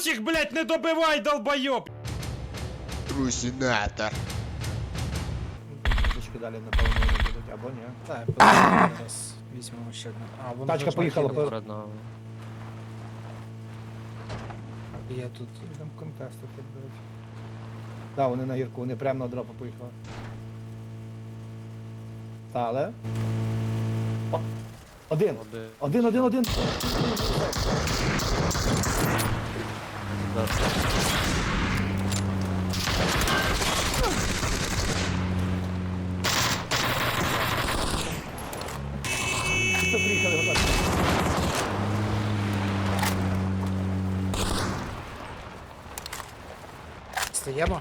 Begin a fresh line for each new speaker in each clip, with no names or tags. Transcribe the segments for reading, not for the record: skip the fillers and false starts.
Усіх, блядь, не добивай, долбойоб!
Трусінатор.
Трішки далі, напевно, не будуть, або ні.
Так, зараз візьмемо ще одну. А, воно
Тачка
вже
поїхала,
їде.
перед
нами.
Я тут.
Там контести тут, до речі. Так, вони на гірку, вони прямо на дропу поїхали. Та, але... О, один. Один.
Да.
Хто приїхали, готові?
Стаємо?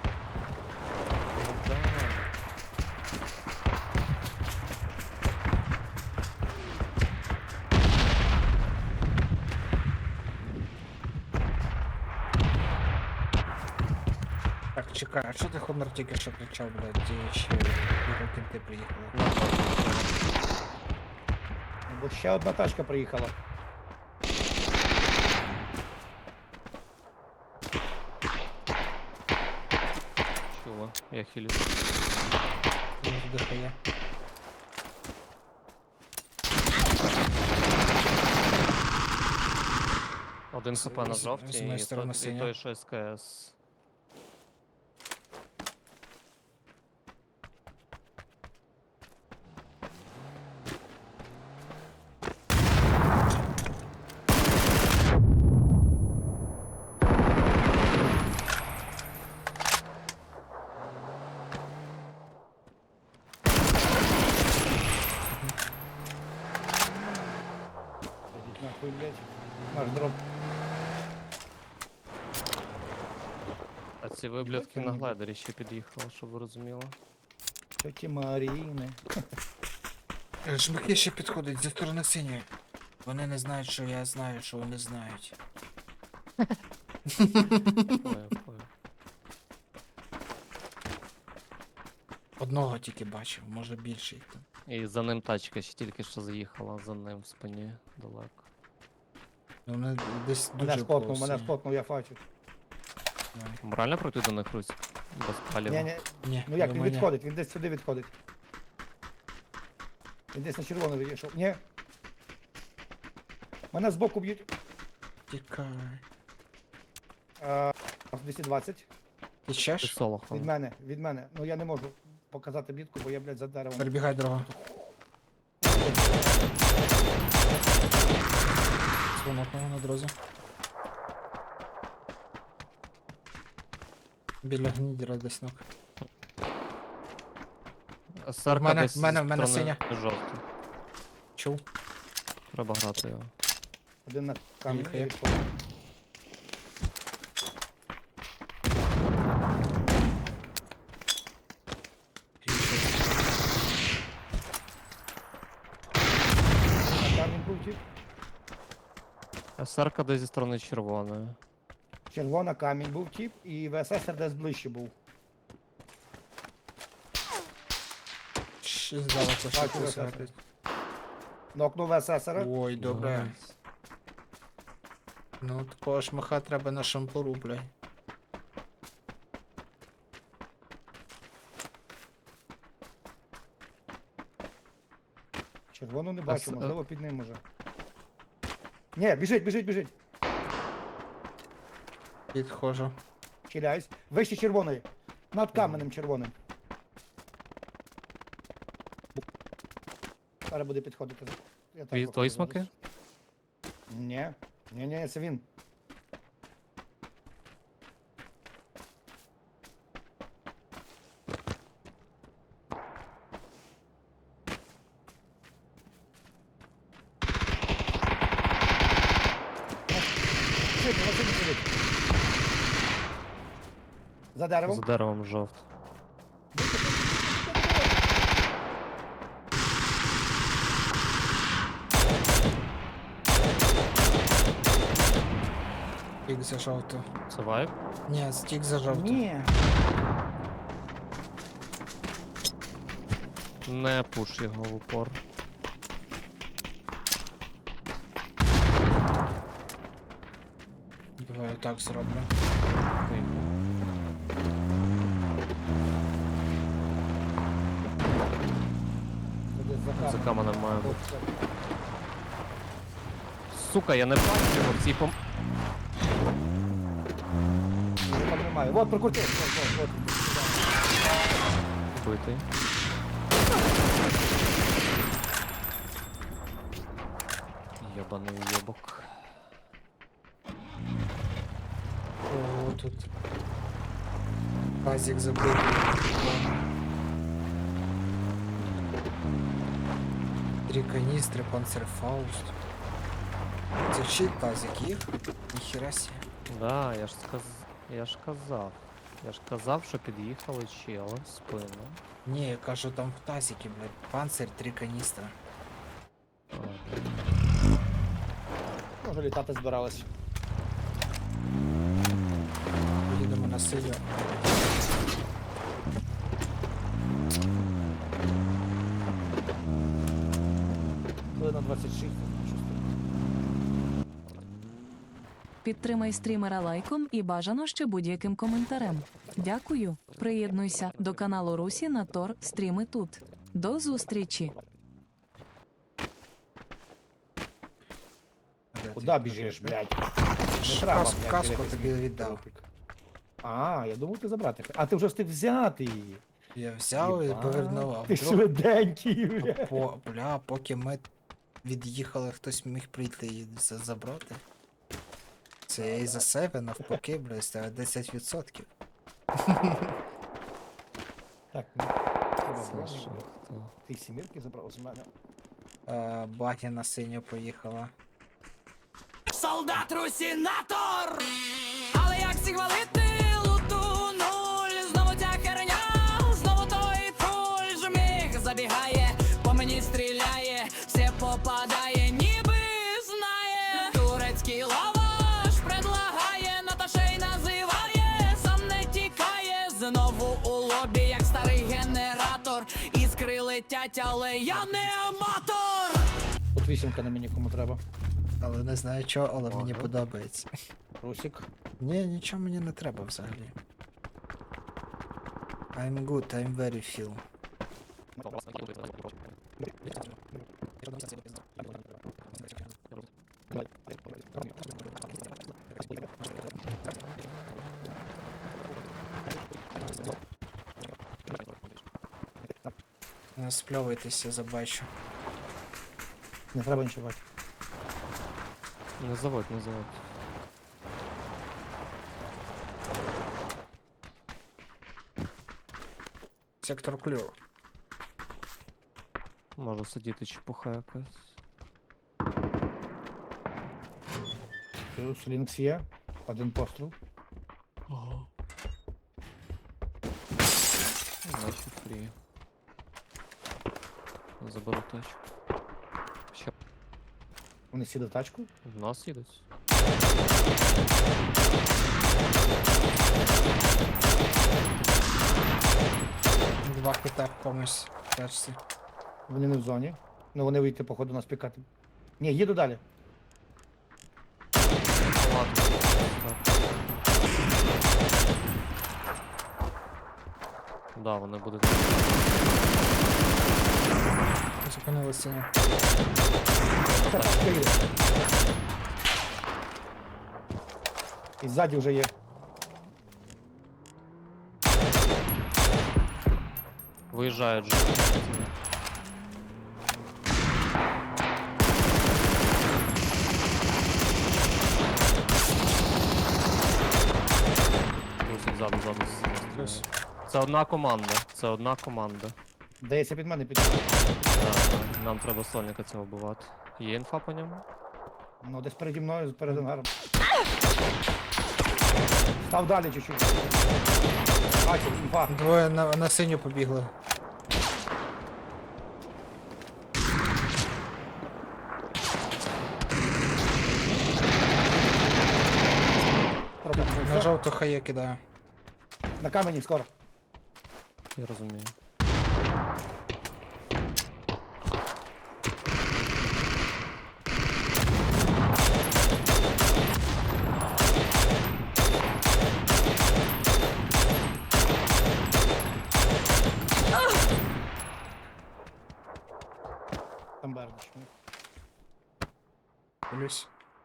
Так, чекай, а що ти Хонор тільки що кричав, блядь, де ще кінти приїхали?
Бо ще одна тачка приїхала.
Чого? Я хилю.
Він вдихає.
Один хп на
з
жовтій
моєї
і
сторони
той,
синя.
і той, що СКС.
Ідіть нахуй, блядь. Наш дроп.
А ці виблядки на глайдері ще під'їхали, щоб ви розуміли.
Тьоті Маріни.
Жмаки ще підходять зі сторони синьої. Вони не знають, що я знаю, що вони знають.
Поняв.
Одного тільки бачив, може більше їх там.
І за ним тачка ще тільки що заїхала, за ним в спині далеко.
Ну, вони десь
Мене
дуже
спотнув,
close.
мене спотнув, я фачу.
Давай.
Морально пройти до них, Русь? Без паліва.
Ні,
Ні,
ну як, він
думаю, ні.
відходить, він десь сюди відходить. Він десь на червоно відійшов. Ні. Мене збоку б'ють.
Тікай.
220.
Ти ще
Ти
ж?
солохом.
Від мене. Ну я не можу показати бітку, бо я, блядь, за деревом.
Перебігай дорога. Дзвонок на дорозі. Біля гнідера десь ног.
Сарка
Мене-
десь
мене-
зі
мене
сторони жовтий.
Чув?
Треба грати його.
Один на камінь.
Їхає.
відходить. На камінь був тип.
Сарка десь зі сторони червоної.
Червона камінь був тип, і ВСС десь ближче був.
Ще здалося, що
Бачу,
хтось
я
гатить.
Нокнув ВССера.
Ой, добре.
Найс.
Ну, такого шмаха треба на шампуру, блядь.
Червону не бачу,
с-
можливо під ним може. Ні, біжить.
Підходжу.
Хиляюсь. Вище червоної. Над каменем червоним. Зараз буде підходити. Я так
Твої
виходжу
твої
зараз.
смаки?
Ні, це він. Сидить. За деревом.
За деревом жовт.
Стік за жовту.
Це вайп?
Ні, стік за жовту.
Ні.
Не пуш його в упор.
Давай так зроблю.
Це десь за
За
каменем.
каменем має бути. Сука, я не бачу його в цій пом...
Там немає. Вот, прокрутив. Вот.
Битий. Єбаний уєбок.
О, тут. Тазик забитий. Три каністри, панцерфауст. Це чий тазик їх? Ніхера сі.
Да, я ж казав. Я ж казав, що під'їхали чели в спину.
Ні, я кажу, там в тазикі, блядь, панцир, 3 каністри.
А,
Може літати збирались.
Їдемо на силю.
Хвилина 26.
Підтримай стрімера лайком і бажано ще будь-яким коментарем. Дякую. Приєднуйся до каналу Русі на Тор. Стріми тут. До зустрічі.
Куда біжиш, блядь? Не треба,
Каску,
блядь,
каску
дивитись
тобі
мій
віддав.
тропік. А, я думав, ти забрати. А ти вже встиг взяти її.
Я взяв і
Єба,
повернув, а
Ти
вдруг
швиденький, блядь.
бля, поки ми від'їхали, хтось міг прийти і забрати. Це я і за себе навпаки, бля, ставив 10%.
Так, ну, треба
це
брати.
що? Хто?
Ти сімірки забрав з мене.
Багі на синю поїхала.
Солдат Русінатор! Але як всіх валити луту нуль? Знову ця херня, знову той пуль жміг забігає, по мені стріляє, все попадає, ніби знає. Турецький лаваш предлагає, но та ще й називає, сам не тікає, знову у лобі, як старий генератор. Іскри летять, але я не аматор!
Тут вісімка на мені кому треба.
Але не знаю чого, але мені
Ага.
подобається.
Русик.
Ні, нічого мені не треба взагалі. I'm good, I'm very feel. Не спльовуйтеся, забачу.
Не треба нічого бачити.
Не заводь, не заводь.
Сектор клюв.
Може сидіти чепуха якась.
Плюс лінкс є. Один постріл.
Ага. Наче фрі. Заберу тачку. Ще
Вони сіли в тачку.
в нас їдуть.
Два хита комусь в тачці.
Вони не в зоні. Ну вони вийти, походу, нас пікати. Ні, їду далі.
Ладно. Да, вони будуть.
Зупинили синю.
Тачка їде. І ззаді вже є.
Виїжджають же. Ось ззаду, ззаду.
Плюс.
Це одна команда. Це одна команда.
Дається під мене під.
Так, нам треба сольника цього вбивати. Є інфа по ньому?
Ну, десь переді мною, перед ангаром. Став далі чуть-чуть. Бачу, інфа.
Двоє на синю побігли. На жовту хає кидаю.
На камені скоро.
Я розумію.
дивлюсь.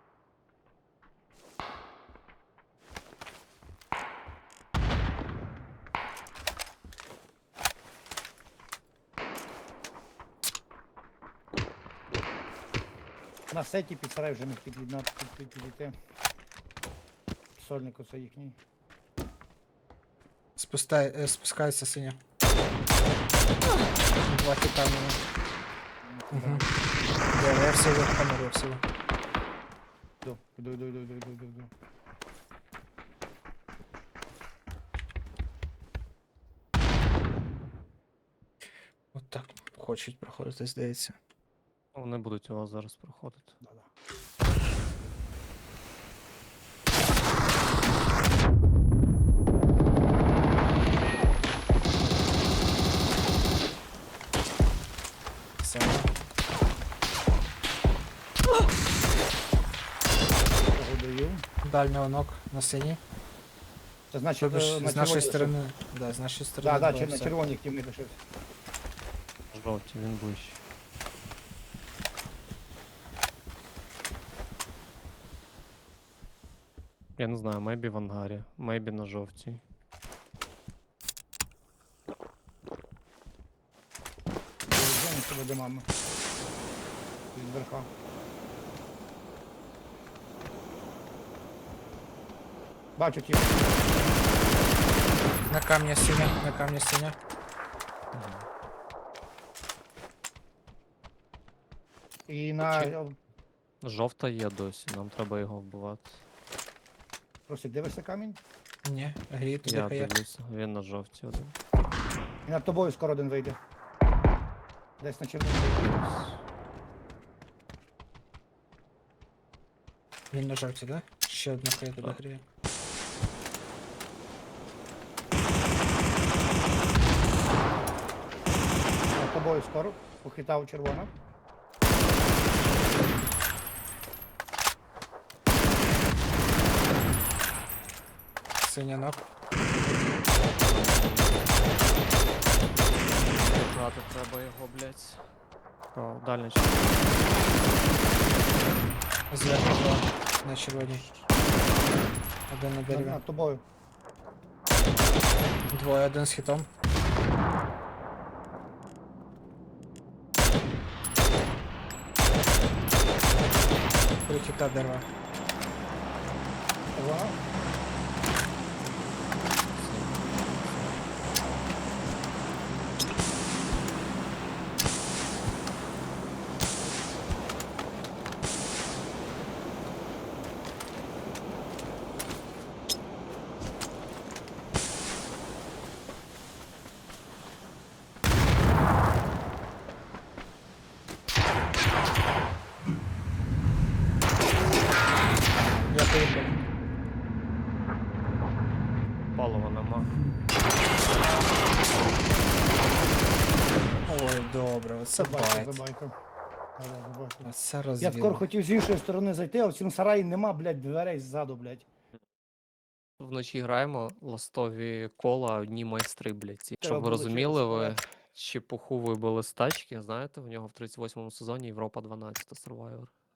На сеті під сарай вже не підійти. Сольник оце їхній.
Спускається синя. Два хіта в мене. Угу. Я всього, камеру всього.
Іду.
От так хочуть проходити, здається.
Вони будуть у вас зараз проходити.
Да-да.
Все.
Даю.
Дальнього ног на синій.
Це значить,
Тобто ж
на
з нашої
червоній
сторони. Да, з нашої сторони.
Так,
було
на
все.
червоній тімі лишився.
Жовті, він ближче. Я не знаю, мейбі в ангарі, мейбі на жовтій.
Зоні себе де мама. Від верха. Бачу ті.
На камні синя, на камні синя.
І на...
Чи- Жовта є досі, нам треба його вбивати.
Просить, дивишся камінь?
Ні, гріє туди
Я
хає.
дивлюся, він на жовтій один.
І над тобою скоро один вийде. Десь на червоній.
Він на жовті, да? Ще одна хає туди
Так.
гріє.
Над тобою скоро. Похитав червона.
Синя ног.
Брати треба його, блядь. О, дальня
Зверху два на червоній. Один на дереві.
Над тобою.
Двоє, один з хітом. Три хіта дерева.
Червона.
Я поїхав.
палива нема.
Ой, добре, оце
Забайка,
байт.
забайка. Да-да, забайка.
Оце
Я
розвіл.
скоро хотів з іншої сторони зайти, а в цьому сараї нема, блядь, дверей ззаду, блядь.
Вночі граємо ластові кола, одні майстри, блядь. Ці.
Треба
Щоб ви
було
розуміли,
через
ви
туалет.
чепуху вибили з тачки, знаєте, в нього в 38-му сезоні Європа 12 Survivor.